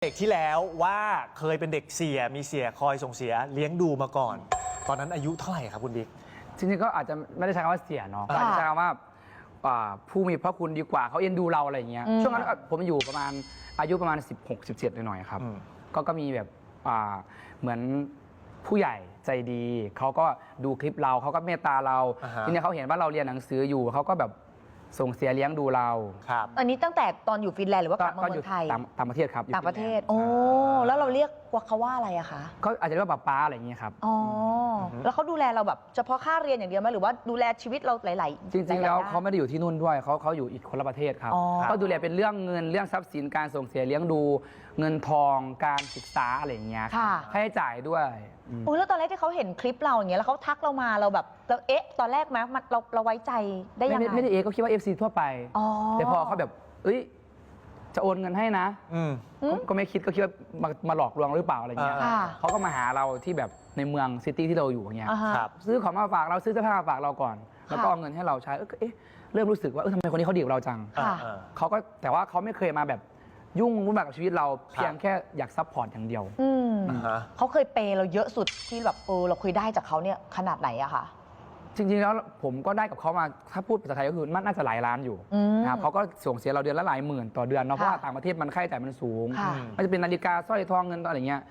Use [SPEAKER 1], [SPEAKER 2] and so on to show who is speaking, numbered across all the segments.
[SPEAKER 1] เด็กที่แล้วว่าเคยเป็นเด็กเสียมีเสียคอยส่งเสียเลี้ยงดูมาก่อน ตอนนั้นอายุเท่าไหร่ครับคุณบิ๊ก
[SPEAKER 2] จริงๆก็อาจจะไม่ได้ใช้คำว่าเสียเนาะอาจจะใช้คำว่าผู้มีพระคุณดีกว่าเขาเอ็นดูเราอะไรอย่างเงี้ยช่วงนั้นผมอยู่ประมาณอายุประมาณ16-17หน่อยๆครับก็มีแบบเหมือนผู้ใหญ่ใจดีเขาก็ดูคลิปเราเขาก็เมตตาเราทีนี้เขาเห็นว่าเราเรียนหนังสืออยู่เขาก็แบบส่งเสียเลี้ยงดูเรา
[SPEAKER 1] ครับ
[SPEAKER 3] อันนี้ตั้งแต่ตอนอยู่ฟินแลนด์หรือว่ากลับมาเมืองไทย
[SPEAKER 2] ต่างประเทศครับ
[SPEAKER 3] ต่างประเทศโอ้แล้วเราเรียกว่าเขาว่าอะไรอะคะ
[SPEAKER 2] ก็อาจจะเรียกว่าป้าอะไรอย่างเงี้ยครับ
[SPEAKER 3] อ๋อแล้วเขาดูแลเราแบบเฉพาะค่าเรียนอย่างเดียวไหมหรือว่าดูแลชีวิตเราหลายๆ
[SPEAKER 2] จริงๆแล้วเขาไม่ได้อยู่ที่นู่นด้วยเขาอยู่อีกคนละประเทศครับเขาดูแลเป็นเรื่องเงินเรื่องทรัพย์สินการส่งเสียเลี้ยงดูเงินทองการศึกษาอะไรอย่างเงี้ยค่าใช้จ่ายด้วย
[SPEAKER 3] โอ้แล้วตอนแรกที่เขาเห็นคลิปเราอย่างเงี้ยแล้วเขาทักเรามาเราแบบเราเอ๊ะตอนแรกไหมเราไว้ใจได้ยังไง
[SPEAKER 2] ไม่ได้ก็คิดว่า FC ทั่วไปแต่พอเขาแบบจะโอนเงินให้นะก็ไม่คิดก็คิดว่ามาหลอกลวงหรือเปล่าอะไรเงี้ยเขาก็มาหาเราที่แบบในเมืองซิตี้ที่เราอยู่อย่างเงี้ยซื้อของมาฝากเราซื้อเสื้อผ้ามาฝากเราก่อนแล้วก็เอาเงินให้เราใช้เริ่มรู้สึกว่าทำไมคนนี้เขาดีกับเราจังเขาก็แต่ว่าเขาไม่เคยมาแบบยุ่งวุ่นวายกับชีวิตเราเพียงแค่อยากซัพพอร์ตอย่างเดียว
[SPEAKER 3] เขาเคยเปย์เราเยอะสุดที่แบบเราเคยได้จากเขาเนี่ยขนาดไหนอะคะ
[SPEAKER 2] จริงๆแล้วผมก็ได้กับเขามาถ้าพูดภาษาไทยก็คือน่าจะหลายล้านอยู่นะครับเขาก็ส่งเสียเราเดือนละหลายหมื่นต่อเดือนเนาะเพราะว่าต่างประเทศมันค่าใช้จ่ายมันสูงมันจะเป็นนาฬิกาสร้อยทองเงินอะไรเงี้ย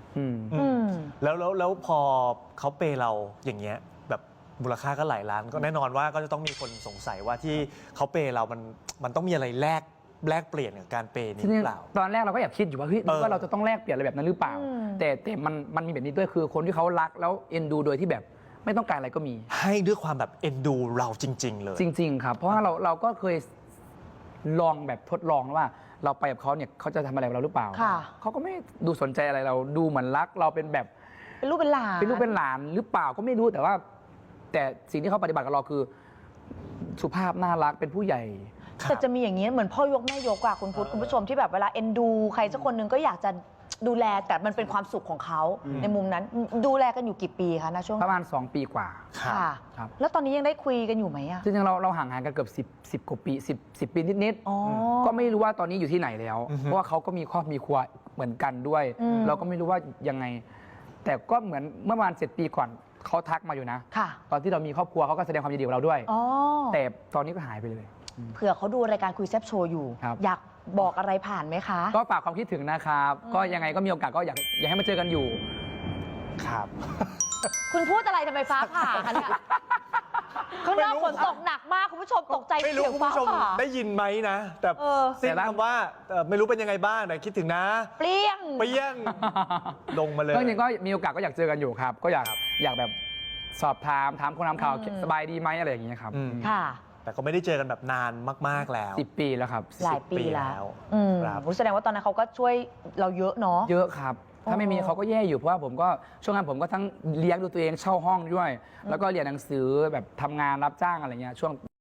[SPEAKER 1] แล้วพอเขาเปย์เราอย่างเงี้ยแบบมูลค่าก็หลายล้านก็แน่นอนว่าก็จะต้องมีคนสงสัยว่าที่เขาเปย์เรามันต้องมีอะไรแลกเปลี่ยนกับการเปย์นี้หรือเปล่า
[SPEAKER 2] ตอนแรกเราก็แอบคิดอยู่ว่าว่าเราจะต้องแลกเปลี่ยนอะไรแบบนั้นหรือเปล่าแต่มันมีแบบนี้ด้วยคือคนที่เขารักแล้วเอ็นดูโดยที่แบบไม่ต้องการอะไรก็มี
[SPEAKER 1] ให้ด้วยความแบบเอ็นดูเราจริงๆเลย
[SPEAKER 2] จริงๆครับเพราะว่าเราก็เคยลองแบบทดลองว่าเราไปกับเขาเนี่ยเขาจะทำอะไรกับเราหรือเปล่าเขาก็ไม่ดูสนใจอะไรเราดูเหมือนรักเราเป็นแบบ
[SPEAKER 3] เป็นลูกเป็นหล
[SPEAKER 2] านหรือเปล่าก็ไม่รู้แต่สิ่งที่เขาปฏิบัติกับเราคือสุภาพน่ารักเป็นผู้ใหญ่
[SPEAKER 3] แต่จะมีอย่างนี้เหมือนพ่อยกแม่ยกอะคุณพุทธคุณผู้ชมที่แบบเวลาเอ็นดูใครสักคนหนึ่งก็อยากจะดูแลแต่มันเป็นความสุขของเขาในมุมนั้นดูแลกันอยู่กี่ปีคะนะช่วง
[SPEAKER 2] ประมาณ2 ปีกว่า
[SPEAKER 3] ค่ะแล้วตอนนี้ยังได้คุยกันอยู่ไหมอะ
[SPEAKER 2] จริงๆเราห่างกันเกือบ10 กว่าปี10 ปีนิดๆก็ไม่รู้ว่าตอนนี้อยู่ที่ไหนแล้วเพราะว่าเขาก็มีครอบมีครัวเหมือนกันด้วยเราก็ไม่รู้ว่ายังไงแต่ก็เหมือนเมื่อประมาณ7 ปีก่อนเขาทักมาอยู่นะตอนที่เรามีครอบครัวเขาก็แสดงความยินดีกับเราด้วยแต่ตอนนี้ก็หายไปเลย
[SPEAKER 3] เผื่อเขาดูรายการคุยแซ่บโชว์อยู่อยากบอกอะไรผ่านไหมคะ
[SPEAKER 2] ก็ฝากความคิดถึงนะครับก็ยังไงก็มีโอกาสก็อยากให้มาเจอกันอยู่
[SPEAKER 1] ครับ
[SPEAKER 3] คุณพูดอะไรทำไมฟ้าผ่าคะเนี่ยข้างนอกฝนตกหนักมากคุณผู้ชมตกใจ
[SPEAKER 1] ไม่รู้คุณผู้ชมได้ยินไหมนะแต่สิ้นคำว่าไม่รู้เป็นยังไงบ้างแต่คิดถึงนะ
[SPEAKER 3] เปรี้ยง
[SPEAKER 1] ลงมาเลย
[SPEAKER 2] ก็จริงๆก็มีโอกาสก็อยากเจอกันอยู่ครับก็อยากแบบสอบถามคนทำข่าวสบายดีไหมอะไรอย่างเงี้ยครับ
[SPEAKER 3] ค่ะ
[SPEAKER 1] แต่ก็ไม่ได้เจอกันแบบนานมากๆแล้ว
[SPEAKER 2] 10 ปีแล้วครับ
[SPEAKER 3] หลายปีแล้วแสดงว่าตอนนั้นเขาก็ช่วยเราเยอะเนาะ
[SPEAKER 2] เยอะครับถ้าไม่มีเขาก็แย่อยู่เพราะว่าผมก็ช่วงนั้นผมก็ทั้งเลี้ยงดูตัวเองเช่าห้องด้วยแล้วก็เรียนหนังสือแบบทำงานรับจ้างอะไรเงี้ยช่วง